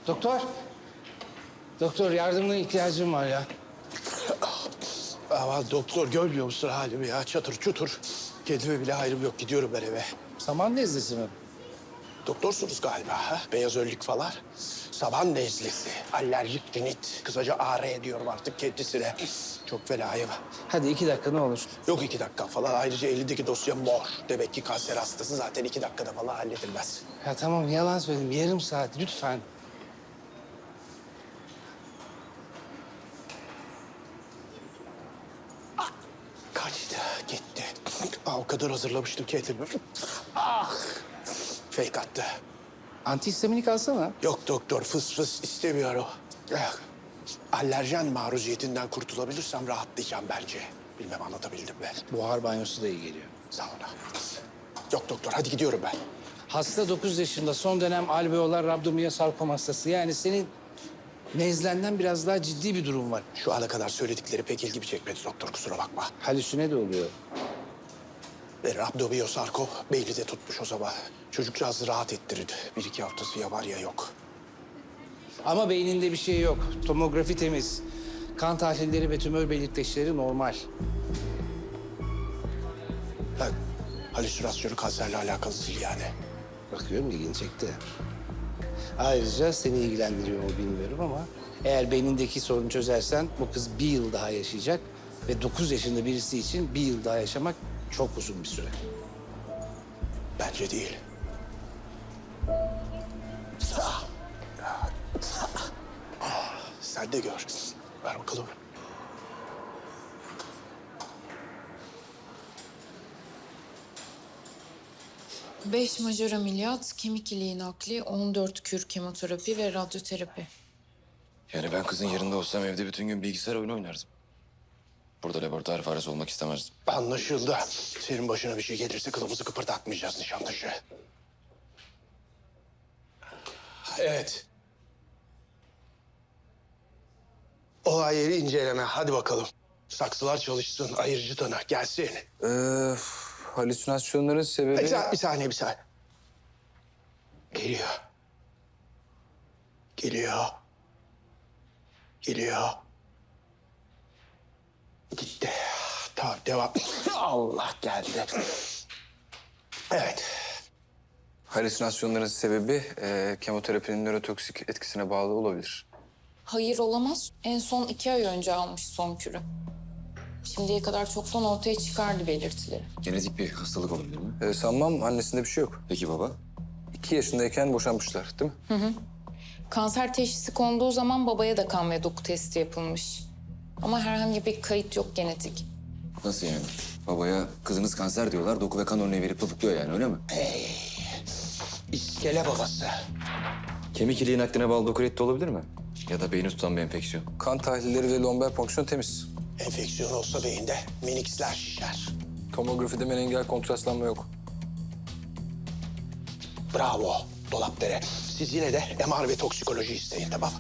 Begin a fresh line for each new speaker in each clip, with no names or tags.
Doktor. Doktor yardımına ihtiyacım var ya.
Ama doktor görmüyor musun halimi ya? Çatır çutur. Kendime bile hayrım yok. Gidiyorum ben eve.
Saman nezlesi mi?
Doktorsunuz galiba ha? Beyaz önlük falan. Saban nezlesi, alerjik rinit. Kısaca AR diyorum artık kendisine. Çok felayım.
Hadi 2 dakika ne olur.
Yok 2 dakika falan. Ayrıca elindeki dosya mor. Demek ki kanser hastası zaten 2 dakikada falan halledilmez.
Ya tamam yalan söyledim. Yarım saat lütfen.
Kaçtı, gitti. O kadar hazırlamıştım kendimi. Ah! Fake attı.
Antihistaminik alsana.
Yok doktor, fıs fıs istemiyor o. Alerjen maruziyetinden kurtulabilirsem rahatlayacağım bence. Bilmem anlatabildim mi?
Buhar banyosu da iyi geliyor.
Sağ ol. Yok doktor, hadi gidiyorum ben.
Hasta 9 yaşında son dönem alveolar rabdomiyosarkom hastası. Yani senin nezlenden biraz daha ciddi bir durum var.
Şu ana kadar söyledikleri pek ilgimi çekmedi doktor, kusura bakma.
Halüsine de oluyor.
Ve rabdomiyosarkom beyni de tutmuş o zaman. Çocukcağızı rahat ettirin. 1-2 haftası ya var ya yok.
Ama beyninde bir şey yok. Tomografi temiz. Kan tahlilleri ve tümör belirteçleri normal.
Ha, halüsinasyonu kanserle alakalı değil yani.
Bakıyorum ilgini çekti. Ayrıca seni ilgilendiriyor mu bilmiyorum ama... eğer beynindeki sorunu çözersen bu kız 1 yıl daha yaşayacak. Ve 9 yaşında birisi için 1 yıl daha yaşamak çok uzun bir süre.
Bence değil. Sen de gör. Ver bakalım.
Beş majör ameliyat, kemik iliği nakli, 14 kür kemoterapi ve radyoterapi.
Yani ben kızın yerinde olsam evde bütün gün bilgisayar oyunu oynardım. Burada laboratuvar faresi olmak istemezdim.
Anlaşıldı. Senin başına bir şey gelirse kılımızı kıpırdatmayacağız Nişantaşı. Evet. Olay yeri inceleme. Hadi bakalım. Saksılar çalışsın. Ayırıcı tanı gelsin.
Halüsinasyonların sebebi...
Bir saniye. Geliyor. Gitti. Tamam devam. Allah geldi. Evet.
Halüsinasyonların sebebi kemoterapinin nörotoksik etkisine bağlı olabilir.
Hayır olamaz. En son 2 ay önce almış son kürü. Şimdiye kadar çoktan ortaya çıkardı belirtileri.
Genetik bir hastalık olabilir mi?
Sanmam annesinde bir şey yok.
Peki baba?
2 yaşındayken boşanmışlar değil mi?
Kanser teşhisi konduğu zaman babaya da kan ve doku testi yapılmış. Ama herhangi bir kayıt yok genetik.
Nasıl yani? Babaya kızınız kanser diyorlar, doku ve kan örneği verip tutukluyor yani öyle mi?
İskele babası.
Kemik iliği nakline bağlı doku reddi olabilir mi? Ya da beyni tutan bir enfeksiyon.
Kan tahlilleri ve lomber fonksiyon temiz.
Enfeksiyon olsa beyinde meniksler şişer.
Tomografide meningel kontrastlanma yok.
Bravo Dolapdere. Siz yine de MR ve toksikoloji isteyin tamam.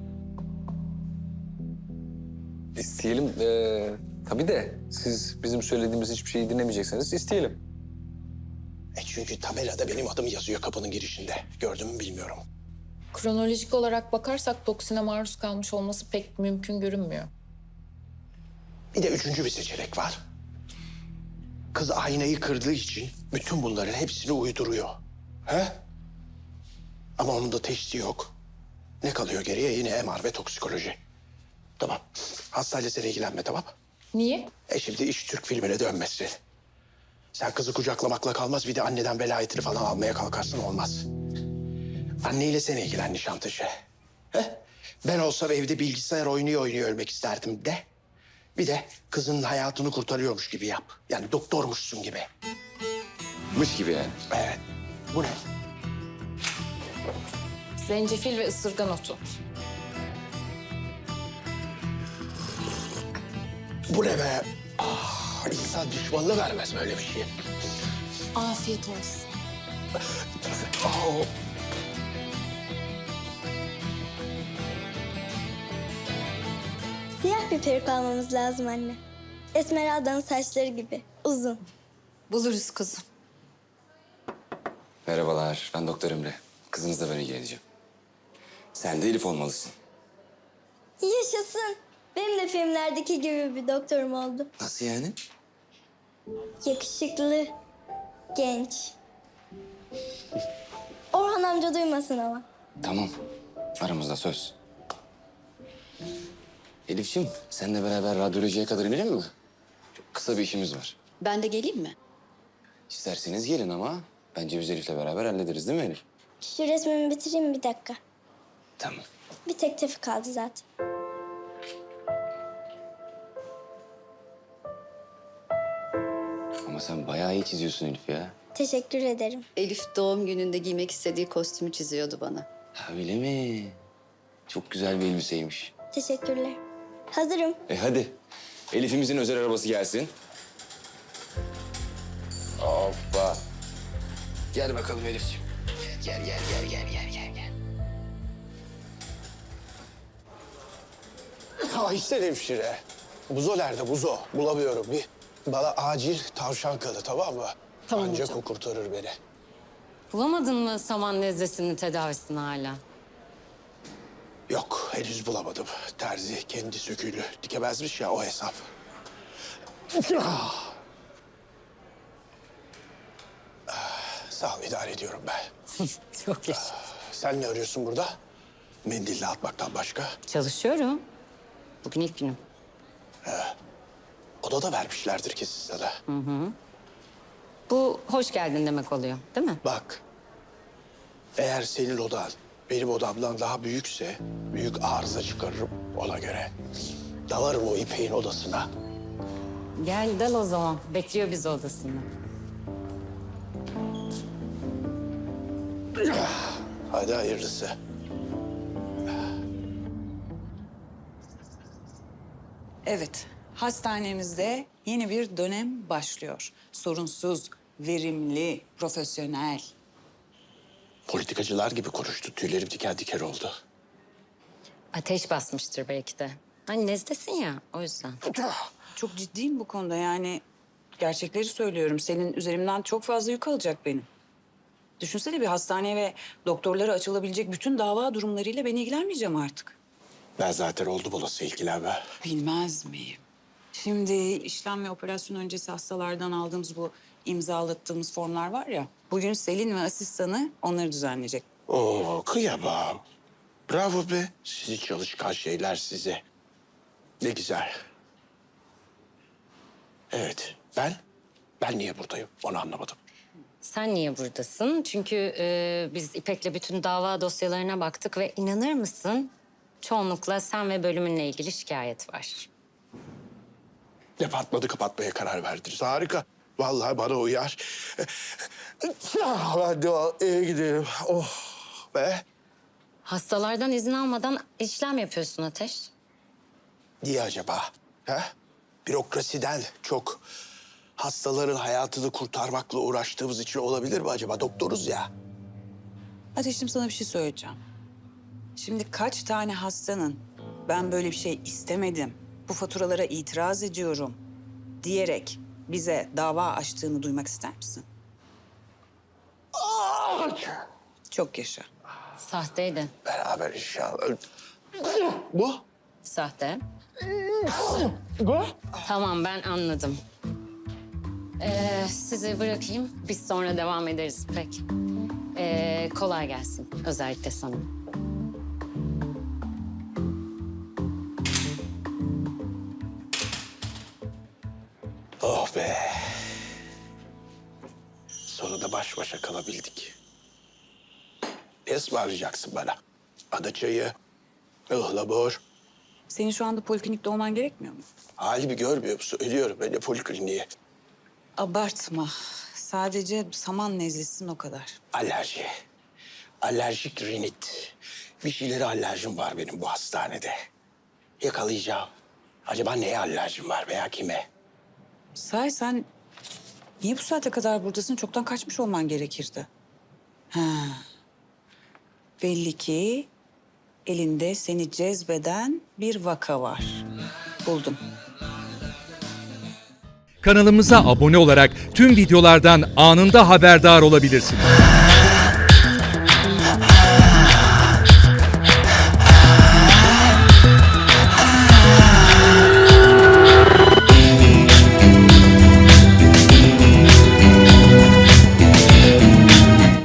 İsteyelim. Tabii de siz bizim söylediğimiz hiçbir şeyi dinlemeyecekseniz isteyelim.
Çünkü tabelada benim adım yazıyor kapının girişinde. Gördün mü bilmiyorum.
Kronolojik olarak bakarsak toksine maruz kalmış olması pek mümkün görünmüyor.
Bir de üçüncü bir seçenek var. Kız aynayı kırdığı için bütün bunların hepsini uyduruyor. He? Ama onun da teşhisi yok. Ne kalıyor geriye? Yine MR ve toksikoloji. Tamam. Hastayla sen ilgilenme tamam.
Niye?
Şimdi iş Türk filmine dönmesin. Sen kızı kucaklamakla kalmaz bir de anneden velayetini falan almaya kalkarsın olmaz. Anneyle sen ilgilen Nişantaşı. He? Ben olsam evde bilgisayar oynuyor ölmek isterdim de. Bir de kızının hayatını kurtarıyormuş gibi yap. Yani doktormuşsun gibi.
Mış gibi yani.
Evet. Bu ne?
Zencefil ve ısırgan otu.
Bu ne be? İnsan düşmanına vermez böyle bir şey.
Afiyet olsun.
Aa,
Siyah bir peruk almamız lazım anne. Esmeralda'nın saçları gibi uzun.
Buluruz kızım.
Merhabalar, ben Doktor Emre. Kızınızla ben ilgileneceğim. Sen de Elif olmalısın.
Yaşasın. Benim de filmlerdeki gibi bir doktorum oldu.
Nasıl yani?
Yakışıklı, genç. Orhan amca duymasın ama.
Tamam. Aramızda söz. Elif'ciğim, seninle beraber radyolojiye kadar inelim mi? Çok kısa bir işimiz var.
Ben de geleyim mi?
İsterseniz gelin ama bence biz Elif'le beraber hallederiz değil mi Elif?
Şu resmimi bitireyim bir dakika.
Tamam.
Bir tek tefi kaldı zaten.
Ama sen bayağı iyi çiziyorsun Elif ya.
Teşekkür ederim.
Elif doğum gününde giymek istediği kostümü çiziyordu bana.
Ha, öyle mi? Çok güzel bir elbiseymiş.
Teşekkürler. Hazırım.
Hadi. Elif'imizin özel arabası gelsin. Hoppa. Gel bakalım Elif'ciğim. Gel.
Aysel hemşire. Buzo nerede Buzo? Bulamıyorum. Bir bana acil tavşan kanı, tamam mı?
Tamam
Ancak
hocam.
o kurtarır beni.
Bulamadın mı saman nezlesinin tedavisini hala?
Yok, henüz bulamadım. Terzi kendi söküğünü dikemezmiş ya, o hesap. Sağ ol, idare ediyorum ben.
Çok iyi.
Sen ne arıyorsun burada? Mendille atmaktan başka.
Çalışıyorum. Bugün ilk günüm.
Odada vermişlerdir kesin sana.
Bu hoş geldin demek oluyor değil mi?
Bak, eğer senin odan benim odamdan daha büyükse büyük arıza çıkarırım ona göre. Dalarım o İpek'in odasına.
Gel dal o zaman. Bekliyor bizi odasında.
Hadi hayırlısı.
Evet, hastanemizde yeni bir dönem başlıyor. Sorunsuz, verimli, profesyonel.
Politikacılar gibi konuştu. Tüylerim diken diken oldu.
Ateş basmıştır belki de. Hani nezlesin ya o yüzden.
Çok ciddiyim bu konuda yani. Gerçekleri söylüyorum. Senin üzerimden çok fazla yük alacak benim. Düşünsene bir hastaneye ve doktorlara açılabilecek bütün dava durumlarıyla ben ilgilenmeyeceğim artık.
Ben zaten oldum olası ilgilenme.
Bilmez miyim? Şimdi işlem ve operasyon öncesi hastalardan aldığımız bu imzalattığımız formlar var ya. Bugün Selin ve asistanı onları düzenleyecek.
Oo, kıyamam. Bravo be. Sizi çalışkan şeyler size. Ne güzel. Evet, ben niye buradayım onu anlamadım.
Sen niye buradasın? Çünkü biz İpek'le bütün dava dosyalarına baktık ve inanır mısın? Çoğunlukla sen ve bölümünle ilgili şikayet var.
Departmanı kapatmaya karar verdiniz. Harika. Vallahi bana uyar. Hadi eve gidelim. Oh be.
Hastalardan izin almadan işlem yapıyorsun Ateş.
Niye acaba? Ha? Bürokrasiden çok hastaların hayatını kurtarmakla uğraştığımız için olabilir mi acaba? Doktoruz ya.
Ateşim sana bir şey söyleyeceğim. Şimdi kaç tane hastanın ben böyle bir şey istemedim, bu faturalara itiraz ediyorum diyerek bize dava açtığını duymak ister misin? Çok yaşa.
Sahteydi.
Beraber inşallah. Bu?
Sahte.
Bu?
Tamam ben anladım. Sizi bırakayım. Biz sonra devam ederiz pek. Kolay gelsin. Özellikle sana.
Oh be. Sonunda baş başa kalabildik. Ne ısmarlayacaksın bana? Ada çayı, ıhlamur.
Senin şu anda poliklinikte olman gerekmiyor mu?
Halimi görmüyor musun? Ölüyorum ben de polikliniğe.
Abartma. Sadece saman nezlesin o kadar.
Alerji. Alerjik rinit. Bir şeylere alerjim var benim bu hastanede. Yakalayacağım. Acaba neye alerjim var veya kime?
Sahi sen niye bu saate kadar buradasın? Çoktan kaçmış olman gerekirdi. Ha. Belli ki elinde seni cezbeden bir vaka var. Buldum.
Kanalımıza abone olarak tüm videolardan anında haberdar olabilirsiniz.